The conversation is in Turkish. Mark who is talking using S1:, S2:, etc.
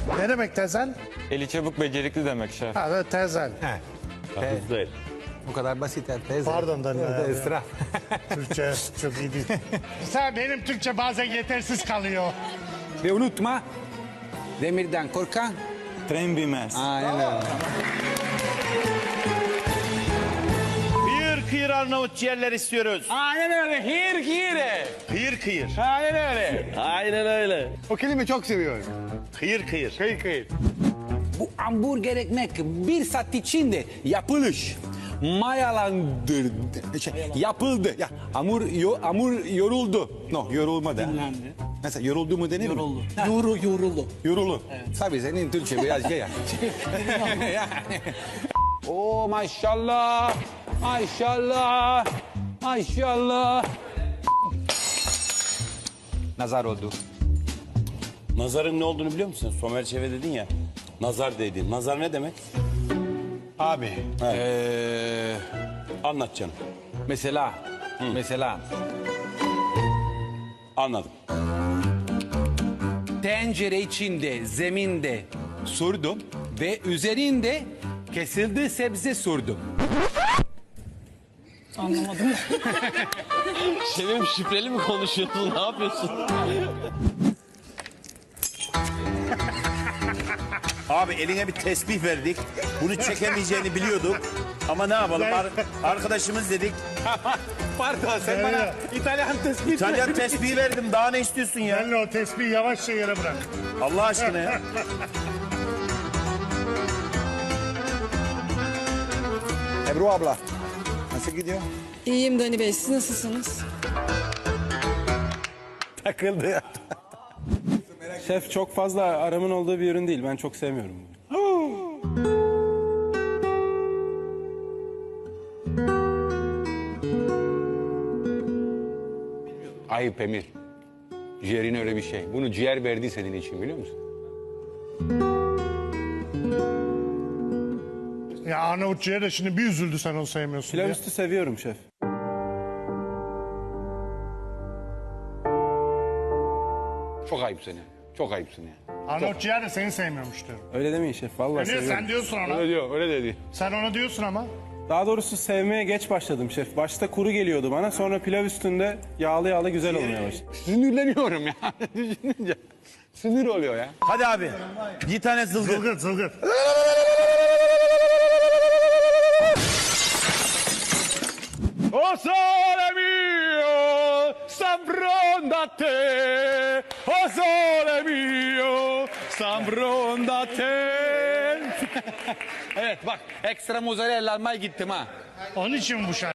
S1: Ne demek tezel?
S2: Eli çabuk becerikli demek şef.
S1: Ha, tezel.
S3: Hızlı değil.
S4: Bu kadar basit ya teyze.
S1: Pardon Danilo ya.
S4: Esra.
S1: Türkçe çok iyi değil. Sen benim Türkçe bazen yetersiz kalıyor.
S4: Ve unutma. Demirden korkan.
S5: Tren bilmez.
S4: Aynen öyle.
S3: Kıyır kıyır Arnavut ciğerler istiyoruz.
S4: Aynen öyle. Hir.
S3: Kıyır kıyır.
S4: Aynen öyle.
S3: Aynen öyle.
S4: O kelime çok seviyorum.
S3: Kıyır kıyır.
S4: Kıyır. Bu hamburger ekmek bir saat içinde yapılış. Mayalandırdı. Yapıldı. Ya, hamur yoruldu. No, yorulmadı.
S6: Dinlendi.
S4: Mesela yoruldu mu denir mi?
S6: Yoruldu.
S4: Yorulu. Evet. Tabii senin Türkçe biraz şey ya. Yani. Oo maşallah. Maşallah. Maşallah. Nazar oldu.
S3: Nazarın ne olduğunu biliyor musun? Somer Çeve dedin ya. Nazar dedin. Nazar ne demek?
S4: Abi.
S3: Anlat canım.
S4: Mesela.
S3: Anladım.
S4: Tencere içinde, zeminde sürdüm ve üzerinde kesildi sebze sürdüm.
S6: Anlamadım.
S7: Şefim şifreli mi konuşuyorsun? Ne yapıyorsun?
S3: Abi eline bir tesbih verdik. Bunu çekemeyeceğini biliyorduk. Ama ne yapalım? Arkadaşımız dedik.
S4: Pardon sen bana İtalyan tespit.
S3: İtalyan tesbihi verdim. Daha ne istiyorsun ya?
S1: Benle o tespihi yavaşça yere bırak.
S3: Allah aşkına ya.
S5: Ebru abla. Nasıl gidiyor?
S8: İyiyim Dani Bey, siz nasılsınız?
S4: Takıldı.
S9: Şef çok fazla aramın olduğu bir ürün değil. Ben çok sevmiyorum.
S4: Ayıp Emir. Ciğerin öyle bir şey. Bunu ciğer verdi senin için biliyor musun?
S1: Ya Arnavut ciğer de şimdi bir üzüldü sen onu sevmiyorsun
S9: Pilav
S1: diye.
S9: üstü seviyorum şef.
S4: Çok ayıp seni. Çok ayıpsın ya.
S1: Arnavut ciğer de seni sevmiyormuş diyorum.
S9: Öyle demeyin şef. Vallahi
S1: Niye
S9: seviyorum.
S1: sen diyorsun ona?
S4: Öyle diyor, öyle dedi.
S1: Sen ona diyorsun ama.
S9: Daha doğrusu sevmeye geç başladım şef. Başta kuru geliyordu bana. Sonra pilav üstünde yağlı yağlı güzel olmaya başladı.
S4: Sinirleniyorum ya. Düşününce. Sinir oluyor ya.
S3: Hadi abi. Bir tane zılgıt.
S1: Zılgıt zılgıt.
S4: O sole mio, s'abbronda O sole mio, s'abbronda Evet bak ekstra mozzarella almaya gittim ha.
S1: Onun için bu şarkı.